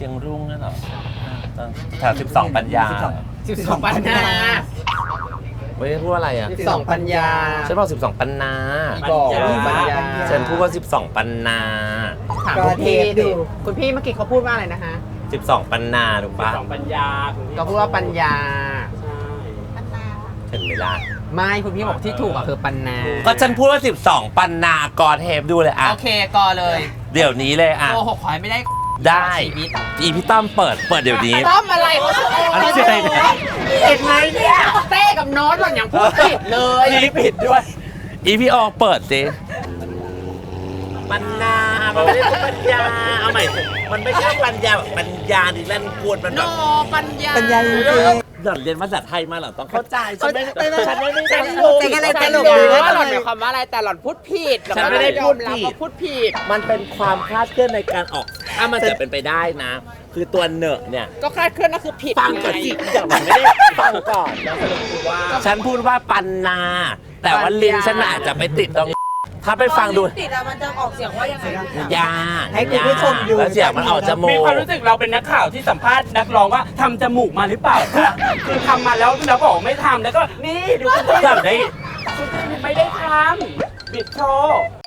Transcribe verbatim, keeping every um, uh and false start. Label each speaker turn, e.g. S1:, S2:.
S1: ชียงรุ่งนั่นเหรอแถวสิบสองปัญญา
S2: สิบสองปัญญา
S1: เว้ยพูดอะไรอ่ะ
S2: สิบสองปัญญา
S1: ฉันบอกสิบสองปัญนา
S2: บอกปัญญา
S1: ฉันพูดว่าสิบสองปัญนา
S2: ถามคุณพี่ดิคุณพี่เมื่อกี้เขาพูดว่าอะไรนะฮะ
S1: สิบสองปัญนาถูกปะ
S3: สองปัญญาคุณพี่
S2: ก็พูดว่าปัญญา
S1: เห็นไหมล่ะ
S2: ไม่คุณพี่บอกที่ถูกอะคือปัญนา
S1: ก็ฉันพูดว่าสิบสองปัญนากอเทปดูเลยอ่ะ
S2: โอเคก็เลย
S1: เดี๋ยวนี้เลยอ่ะ
S2: โกหกขอให้ไม่ได้
S1: ได้
S2: ชีวิต
S1: อีพี่ต้อมเปิดเปิดเดี๋ยวนี้
S2: ต้อมอะไรเขาชื่อโอ้
S1: อันนี้ชื่ออะไรเนี่ย
S2: เห็นไหมเนี่ยเต้กับโน้ตหล่อนอย่างพูดผิดเลย
S1: นี่ผิดด้วย อีพี่ออกเปิดสิปัญญามันไม่ได้เป็นปัญญาเอาใหม่สิมันไม่ใช่ปัญญาแบบปัญญาดิแลนกวนมัน
S2: โน
S1: แบบ
S2: ปัญญา
S4: ปัญญาจริง
S1: หล่อนเรียนภาษาไทยมาเหรอต้องเข้าใจฉันไม่
S4: ไม่ไม่
S1: ฉันไม่ได้
S2: ฉัน
S1: รู้
S2: รู้
S4: แต่อะไร
S2: ฉัน
S4: ตล
S2: รู้
S4: ก
S2: ว่าหล่อนหมายความว่าอะไรแต่หล่อนพูดผิด
S1: ฉันไม่ได้พูดผิด
S2: ยอมรับว่าพูดผิด
S1: มันเป็นความคลาดเคลื่อนในการออก ถ้ามันจะเป็นไปได้นะ คือตัวเนอะเนี่ย
S2: ก็คลาดเคลื่อนนั่นคือผิด
S1: ฟังก่อนสิอย่างมันไม่ได้ฟังก่อน ฉันพูดว่าปันนา แต่ว่าลิ้นฉันอาจจะไปติดตรง ถ้าไปฟังดู
S4: ติดอะมันจะออกเสียงว่ายังไง
S1: ยา
S4: ให้คุณผู้ชมดู
S1: แล้วเสียงมันออกจมู
S3: มี
S1: ก
S3: ความรู้สึกเราเป็นนักข่าวที่สัมภาษณ์นักร้องว่าทำจมูกมาหรือเปล่าคะคือทำมาแล้วแล้วบอกไม่ทำแล้วก็นี่ดูคุณ
S1: ทำได้
S3: ไม่ได้ทำบิดโชว์